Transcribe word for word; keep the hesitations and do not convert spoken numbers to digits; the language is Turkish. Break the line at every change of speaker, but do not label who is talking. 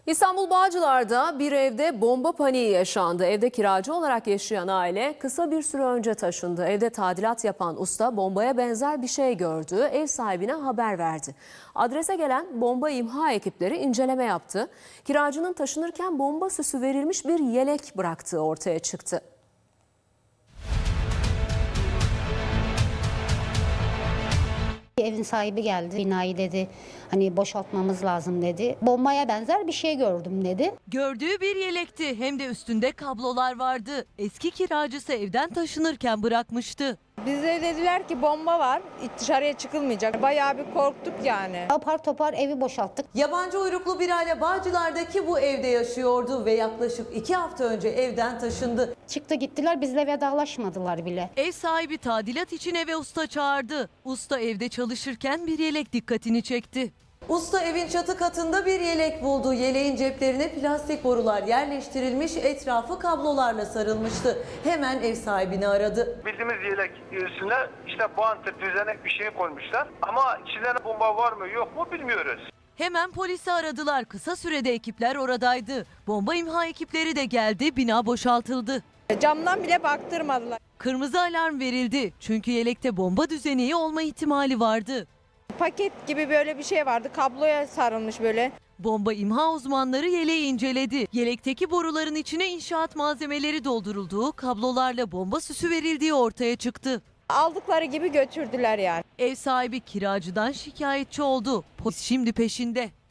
İstanbul Bağcılar'da bir evde bomba paniği yaşandı. Evde kiracı olarak yaşayan aile kısa bir süre önce taşındı. Evde tadilat yapan usta bombaya benzer bir şey gördü. Ev sahibine haber verdi. Adrese gelen bomba imha ekipleri inceleme yaptı. Kiracının taşınırken bomba süsü verilmiş bir yelek bıraktığı ortaya çıktı.
Evin sahibi geldi, binayı dedi hani boşaltmamız lazım dedi. Bombaya benzer bir şey gördüm dedi.
Gördüğü bir yelekti, hem de üstünde kablolar vardı. Eski kiracısı evden taşınırken bırakmıştı.
Bize dediler ki bomba var, dışarıya çıkılmayacak. Bayağı bir korktuk yani.
Apar topar evi boşalttık.
Yabancı uyruklu bir aile Bağcılar'daki bu evde yaşıyordu ve yaklaşık iki hafta önce evden taşındı.
Çıktı gittiler, bizle vedalaşmadılar bile.
Ev sahibi tadilat için eve usta çağırdı. Usta evde çalışırken bir yelek dikkatini çekti. Usta evin çatı katında bir yelek buldu. Yeleğin ceplerine plastik borular yerleştirilmiş, etrafı kablolarla sarılmıştı. Hemen ev sahibini aradı.
Bildiğimiz yelek üstüne işte bantır düzenek bir şey koymuşlar. Ama içinde bomba var mı yok mu bilmiyoruz.
Hemen polisi aradılar. Kısa sürede ekipler oradaydı. Bomba imha ekipleri de geldi, bina boşaltıldı.
Camdan bile baktırmadılar.
Kırmızı alarm verildi. Çünkü yelekte bomba düzeneği olma ihtimali vardı.
Paket gibi böyle bir şey vardı, kabloya sarılmış böyle.
Bomba imha uzmanları yeleği inceledi. Yelekteki boruların içine inşaat malzemeleri doldurulduğu, kablolarla bomba süsü verildiği ortaya çıktı.
Aldıkları gibi götürdüler yani.
Ev sahibi kiracıdan şikayetçi oldu. Polis şimdi peşinde.